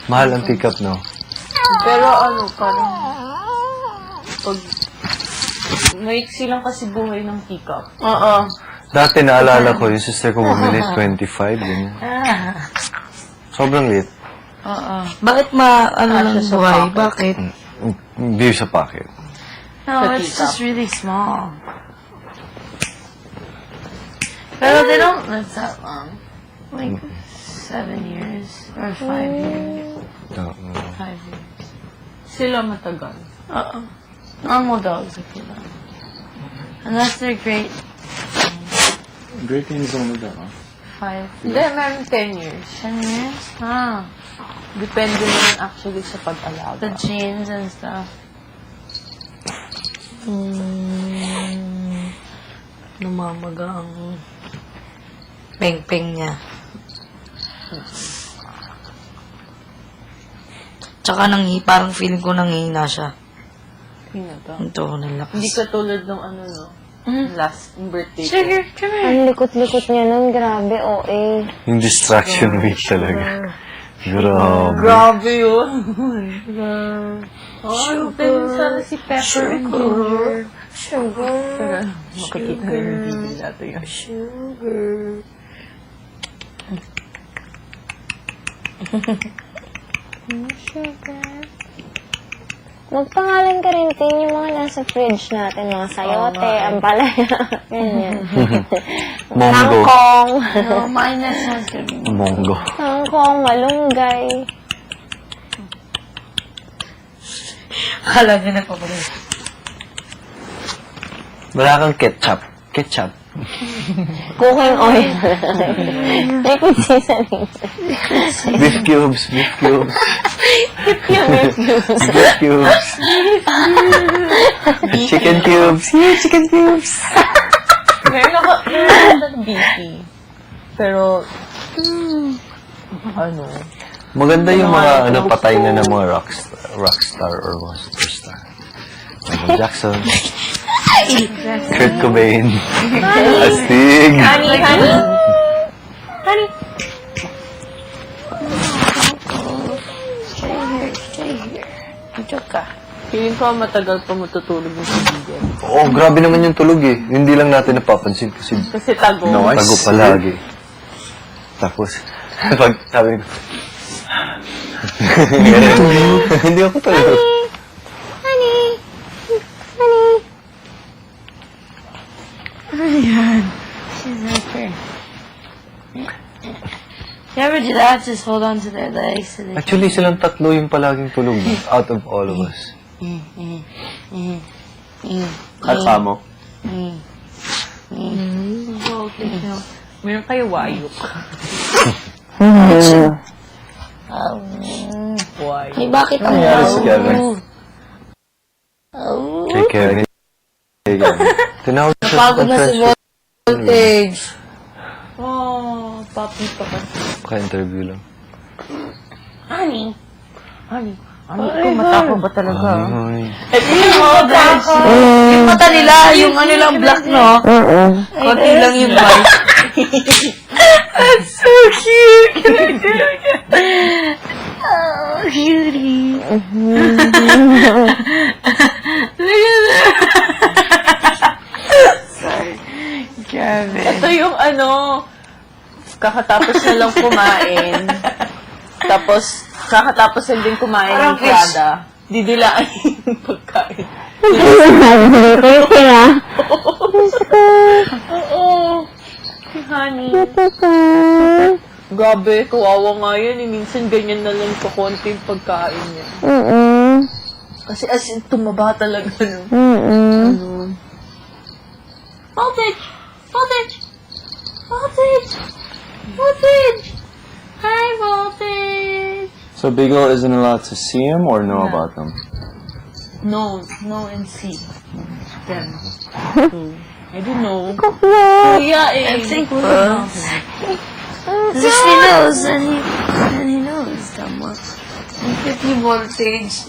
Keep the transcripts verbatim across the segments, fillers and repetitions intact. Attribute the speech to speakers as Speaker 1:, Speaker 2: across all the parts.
Speaker 1: Mahal ang pick-up, no?
Speaker 2: Pero ano, parang... Pag... Maiksi lang kasi buhay ng pick-up. Oo.
Speaker 1: Dati naalala ko, yung sister ko bumili, twenty-five, ganyan. Sobrang liit.
Speaker 2: Oo.
Speaker 3: Bakit ma, ano
Speaker 2: Ah,
Speaker 3: lang
Speaker 2: siya sa
Speaker 3: buhay?
Speaker 2: pocket.
Speaker 3: Bakit?
Speaker 1: Hindi sa pocket.
Speaker 3: No,
Speaker 2: Sa
Speaker 3: it's
Speaker 2: tita.
Speaker 3: just really small. Pero they don't live that long. Like, seven years or five years.
Speaker 1: No, no.
Speaker 3: Five years.
Speaker 2: Sila matagal.
Speaker 3: Uh-uh. Normal dogs, I feel like. Unless they're great,
Speaker 4: Great Danes don't live that long.
Speaker 3: five,
Speaker 2: Hindi, meron ten years.
Speaker 3: ten years? Ah,
Speaker 2: Depende naman actually sa pag-alaga.
Speaker 3: the genes and stuff. Hmm. Namamaga ang peng-peng niya. Tsaka nangi, parang feeling ko nangihina siya.
Speaker 2: Tingnan to.
Speaker 3: Ito, nalakas.
Speaker 2: Hindi katulad ng ano, no? Last yung birthday ko.
Speaker 3: Sugar, come here.
Speaker 5: Ang likot-likot niya nun, grabe, O A.
Speaker 1: Yung distraction week talaga. Grabe.
Speaker 2: Grabe yun. Oh, din sana si Pepper and Ginger.
Speaker 5: Sugar.
Speaker 2: Pero makikita na yung video natin yun.
Speaker 5: Sugar. Sugar. Magpangalan ka rin, Tin, yung mga nasa fridge natin, mga sayote, ampalaya, ganyan.
Speaker 1: Mongo.
Speaker 5: Kangkong.
Speaker 3: No, mine that sounds good.
Speaker 1: Mongo.
Speaker 5: Kangkong, malunggay.
Speaker 3: Akala niya nagpapalit.
Speaker 1: Wala kang ketchup. Ketchup.
Speaker 5: Cooking oil. Liquid seasoning.
Speaker 1: Beef cubes. Beef cubes.
Speaker 5: Yung cubes.
Speaker 1: Beef cubes. Chicken cubes. Yeah, chicken cubes.
Speaker 2: Meron ako, meron ako ng beefy. Pero, ano,
Speaker 1: Maganda yung mga ano, patay na ng mga rockstar, rockstar or mga superstar. Michael Jackson. Kurt Cobain. Astig.
Speaker 2: honey, honey.
Speaker 5: Honey.
Speaker 3: Stay here, stay here. Ito ka.
Speaker 2: Feeling ko matagal pa matutulog yung kaibigan.
Speaker 1: Oo, oh, grabe naman yung tulog eh. Hindi lang natin napapansin kasi
Speaker 2: Kasi tago.
Speaker 4: No, I
Speaker 1: tago
Speaker 4: see.
Speaker 1: palagi. Tapos, pag sabi ko, hindi ako tulog.
Speaker 5: Honey. Honey.
Speaker 3: She's right there. You ever do that? Just hold on to their legs so they
Speaker 1: Actually, silang tatlo yung palaging tulog eh, out of all of us.
Speaker 4: Kasama.
Speaker 2: Meron kayo wayok. Wayok.
Speaker 3: Ay, bakit ang
Speaker 1: Nangyari sa Kevin. Kay Kevin. Kay Kevin. Tinawag siya sa
Speaker 3: Napagod na si
Speaker 1: conference.
Speaker 3: Voltage.
Speaker 2: Oh, papi pa kasi.
Speaker 1: Ka-interview lang.
Speaker 2: Honey. Honey. Ano ko, matako ba talaga?
Speaker 1: Ay,
Speaker 3: Yung Voltage. Yung mata nila, yung ano lang black, no? Konti lang yung white. That's so cute. Can I do it again? Oh, cutie. Look at that. Sorry. Grabe.
Speaker 2: Ito yung ano, kakatapos na lang kumain. Tapos, kakatapos na din kumain ng
Speaker 3: Parang fish.
Speaker 2: Prada. Didilaan yung pagkain.
Speaker 5: Crazy na.
Speaker 2: Oo. Si Honey. Grabe, kawawa nga yan. Eh. Minsan ganyan na lang kakonti yung pagkain niya.
Speaker 5: Mm-mm.
Speaker 2: Kasi as in, tumaba talaga. No?
Speaker 5: Mm-mm.
Speaker 2: Voltage! Voltage! Voltage! Voltage! Hi, Voltage!
Speaker 4: So Beagle isn't allowed to see him or know about them?
Speaker 2: No, no and see. Them. Hmm. I don't know. Kuya eh.
Speaker 3: I think we know. If he knows, then he, then he knows someone. fifty voltage.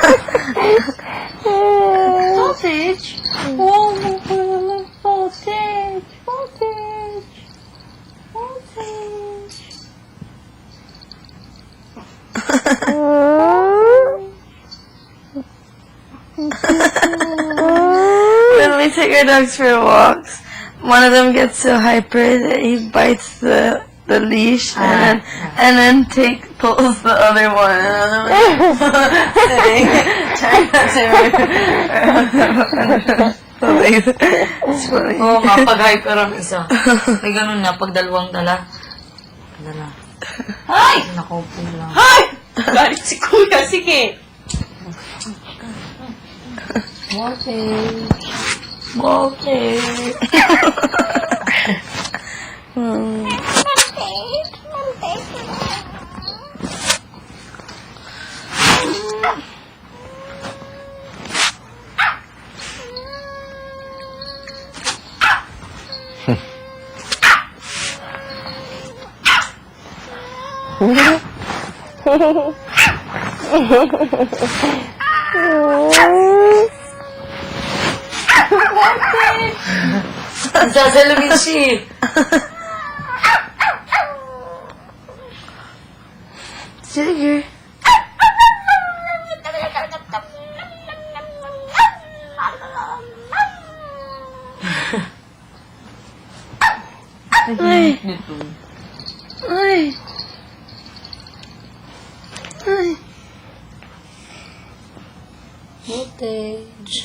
Speaker 3: Voltage? Oh, voltage. take our dogs for walks. One of them gets so hyper that he bites the the leash and then and then take pulls the other one. And the other one sitting, trying not to. It's funny.
Speaker 2: Oo nga, pag-hyper ang isa. May ganun na, pag dalawang dala. Dala. Ay! Nakaupo lang. Ay! Galit si Kuya, sige. Okay.
Speaker 3: Okay. Hmm.
Speaker 2: Sasalumin siya.
Speaker 3: Sugar. Ay. Ay. Ay.
Speaker 2: Voltage.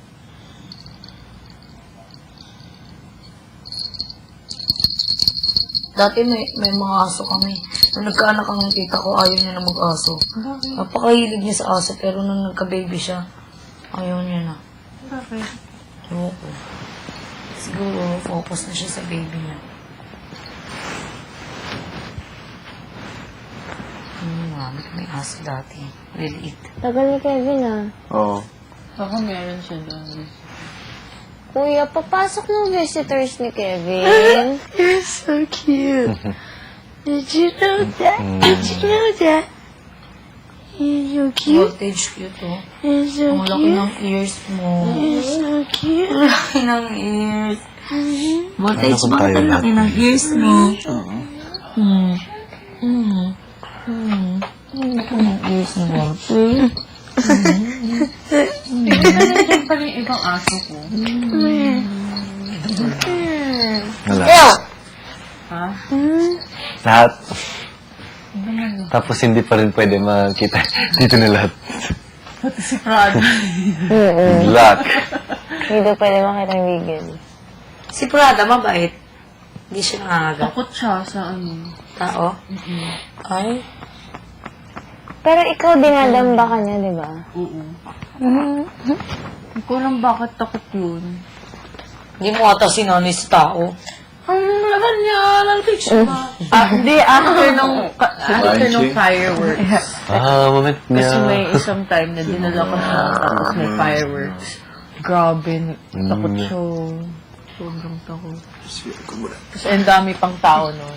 Speaker 2: Dati may, may mga aso kami. Nung nagkaanak ang tita ko, ayaw niya na mag-aso. Napakahilig niya sa aso, pero nung nagka-baby siya, ayaw niya na.
Speaker 3: Bakit?
Speaker 2: Ewan ko. Siguro, focus na siya sa baby niya. Hmm, marami may aso dati. Liliit.
Speaker 5: Tagal ni Kevin ah.
Speaker 4: Oo.
Speaker 2: Baka meron siya doon.
Speaker 5: Kuya, papasok ng visitors ni Kevin.
Speaker 3: You're so cute. Did you know that? Did you know that? You're so cute.
Speaker 2: Voltage cute, oh.
Speaker 3: You're so
Speaker 2: Ang laki
Speaker 3: cute.
Speaker 2: ng ears mo.
Speaker 3: You're so cute.
Speaker 2: Ang laki ng ears. Voltage,
Speaker 1: Ano kung
Speaker 2: bakit
Speaker 1: tayo
Speaker 2: ang laki
Speaker 1: lahat?
Speaker 2: ng ears mo? Hmm. Hmm. Hmm. Ang laki ng ears mo, Voltage. Nandiyan pa rin ibang aso ko.
Speaker 1: Wala.
Speaker 2: Ha?
Speaker 1: Lahat. Tapos hindi pa rin pwede makita dito na lahat.
Speaker 2: Pati si Prada.
Speaker 1: Black.
Speaker 5: Hindi daw pwede makita yung bigil.
Speaker 2: Si Prada, mabait. Hindi siya nangangagat.
Speaker 6: Takot siya sa ano.
Speaker 2: Tao? Ay.
Speaker 5: Pero ikaw dinadamba ka niya, di ba?
Speaker 6: Oo. Hindi ko alam bakit takot yun.
Speaker 2: Hindi mo ata sinanay sa tao.
Speaker 6: Ang laban niya, lalapit siya.
Speaker 2: Ah, hindi, after nung,
Speaker 6: After nung fireworks.
Speaker 1: Ah, moment niya.
Speaker 6: Kasi may isang time na dinala ko siya, tapos may fireworks. Grabe, takot
Speaker 1: Mm.
Speaker 6: siya. Sobrang takot. Tapos ang dami pang tao nun.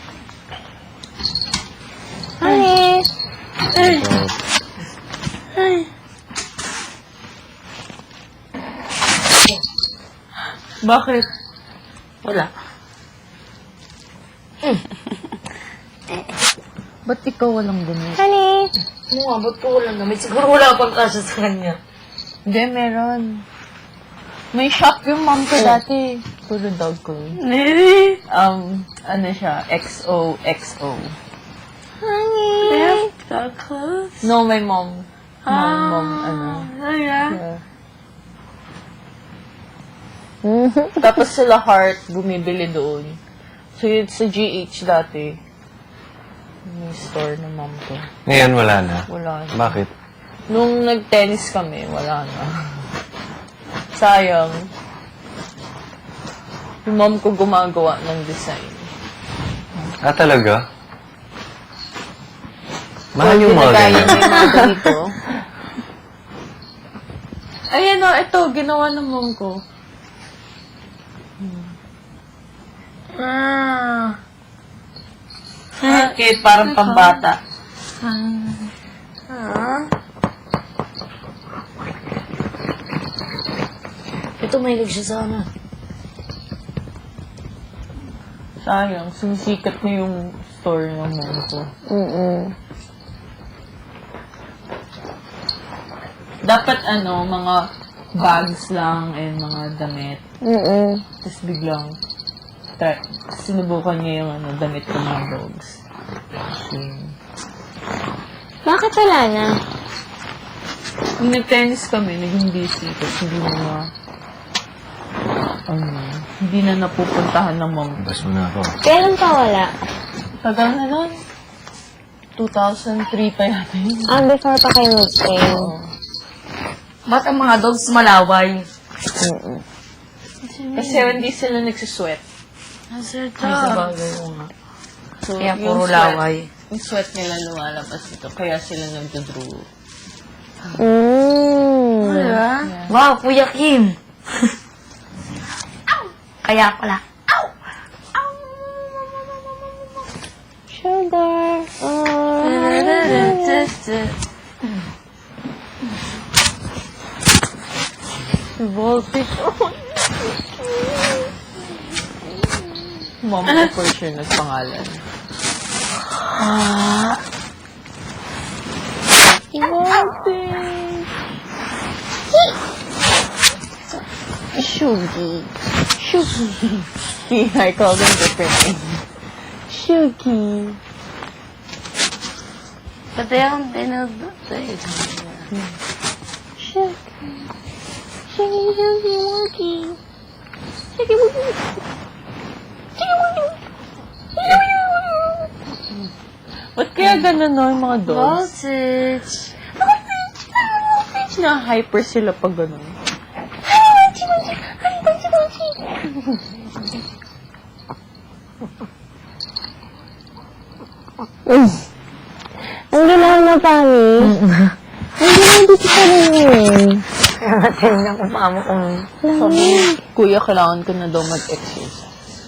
Speaker 5: Honey!
Speaker 6: Bakit?
Speaker 2: wala.
Speaker 6: Ba't ikaw walang damit?
Speaker 5: Honey!
Speaker 2: Ano nga, ba't ko wala naman? Siguro wala pang kasya sa kanya.
Speaker 6: Hindi, meron. May shop yung mom ko dati. Puro dog ko.
Speaker 3: Really?
Speaker 6: Um, ano siya? X O X O.
Speaker 3: They have dog clothes?
Speaker 6: No, my mom. Mom, mom, ano.
Speaker 3: Oh, yeah.
Speaker 6: Yeah. Tapos sila Heart, bumibili doon. So, yun sa G H dati. May store ng mom ko.
Speaker 1: Ngayon wala na.
Speaker 6: Wala na.
Speaker 1: Bakit?
Speaker 6: Nung nag-tennis kami, wala na. Sayang. Yung mom ko gumagawa ng design.
Speaker 1: Ah, talaga? Mahal yung mga
Speaker 6: Ginagaya
Speaker 1: ganyan.
Speaker 6: niya yung mga ganito. Ayan o, ito, ginawa ng mom ko.
Speaker 3: Ah.
Speaker 2: Bakit? Parang pambata.
Speaker 3: Ah.
Speaker 2: Ito, mahilig siya sa ano.
Speaker 6: Sayang, sumisikat na yung store ng mom ko.
Speaker 5: Mm-mm.
Speaker 6: Dapat ano, mga bags lang and mga damit.
Speaker 5: Mm-mm.
Speaker 6: Tapos biglang, tra- sinubukan niya yung ano, damit ng mga dogs. Yun.
Speaker 5: Bakit wala na?
Speaker 6: Nung nag-tennis kami, naging busy. Tapos hindi na na, ano, hindi na napupuntahan ng mom.
Speaker 1: Bas mo na ako.
Speaker 5: Kailan pa wala?
Speaker 6: Tagal na nun. two thousand three pa yata yun.
Speaker 5: Ah, before pa kayo mag-train.
Speaker 2: Ba't ang mga dogs malaway?
Speaker 5: Mm-mm.
Speaker 6: Kasi hindi sila nagsusweat.
Speaker 2: Ay, sabagay ko nga.
Speaker 6: So,
Speaker 2: Kaya
Speaker 6: yung
Speaker 2: puro
Speaker 6: sweat-
Speaker 2: laway.
Speaker 6: Yung sweat nila lumalabas dito. Kaya sila nagdodrew.
Speaker 5: Mm.
Speaker 2: Diba? Wow, Kuya Kim. Kaya pala.
Speaker 5: Sugar. Oh.
Speaker 6: Voltage. Mom ko for sure nagpangalan. Voltage.
Speaker 5: Sugi.
Speaker 6: See, I call them different names.
Speaker 5: Sugi.
Speaker 2: But they don't, they know, they
Speaker 5: Sugi. Sugi, Sugi, Woogie. Sugi, Woogie. Sugi, Woogie.
Speaker 6: Ba't kaya ganun no, yung mga dogs?
Speaker 2: Voltage.
Speaker 6: Na hyper sila pag ganun.
Speaker 5: Ang ginawa na, Pami. Ang ginawa dito sa rin.
Speaker 2: Tingnan ko pa mo kung...
Speaker 6: Sabi, kuya, kailangan ko na daw mag-exercise.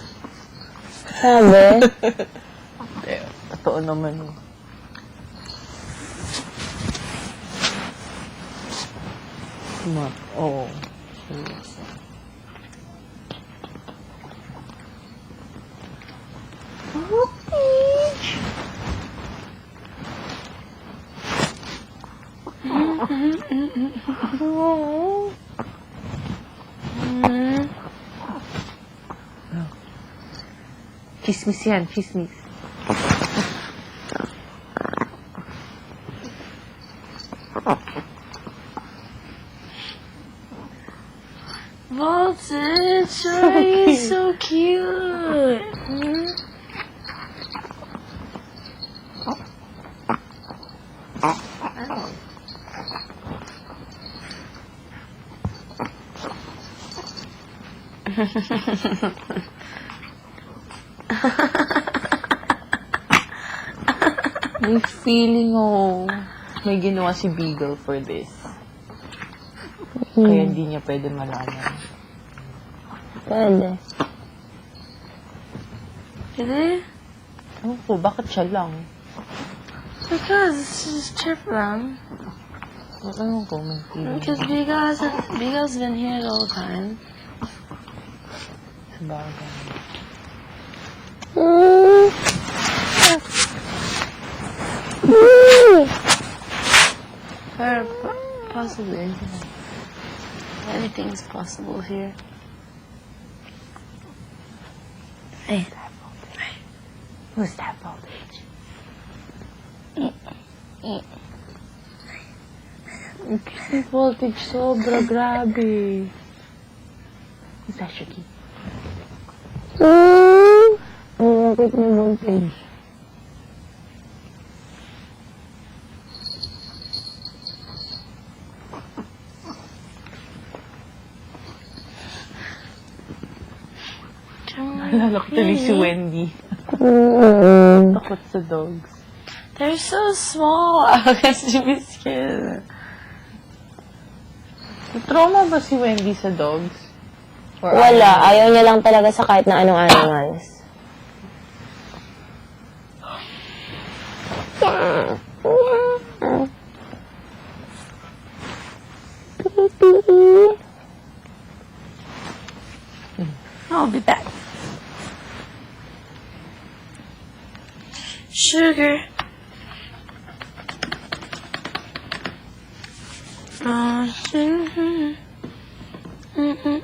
Speaker 5: Sabi?
Speaker 6: Eh, totoo naman. eh. Ma, oo. Chismis yan, chismis.
Speaker 2: Voltage, why are you so cute?
Speaker 6: May feeling oh, may ginawa si Beagle for this. Kaya hindi niya pwede malaman.
Speaker 5: Pwede.
Speaker 2: Really?
Speaker 6: Ano po, bakit siya lang?
Speaker 2: Because it's just chip lang.
Speaker 6: Ano ko, may feeling.
Speaker 2: Because Beagle's, Beagle's been here the whole time.
Speaker 6: Sabagay.
Speaker 5: Mm. Mm.
Speaker 2: Or po- possibly. Anything's possible here. Hey.
Speaker 6: Who's that voltage? Yung voltage sobra, grabe. Who's that, Shuki?
Speaker 5: Mm. Ang bakit na voltage?
Speaker 6: Naalala ko tuloy si Wendy.
Speaker 5: Mm.
Speaker 6: Takot sa dogs.
Speaker 2: They're so small. I guess to be scared.
Speaker 6: Trauma ba si Wendy sa dogs? Or
Speaker 5: Wala. Ayaw niya lang talaga sa kahit na anong animals.
Speaker 2: I'll be back. Sugar. Uh,
Speaker 5: Mm-mm.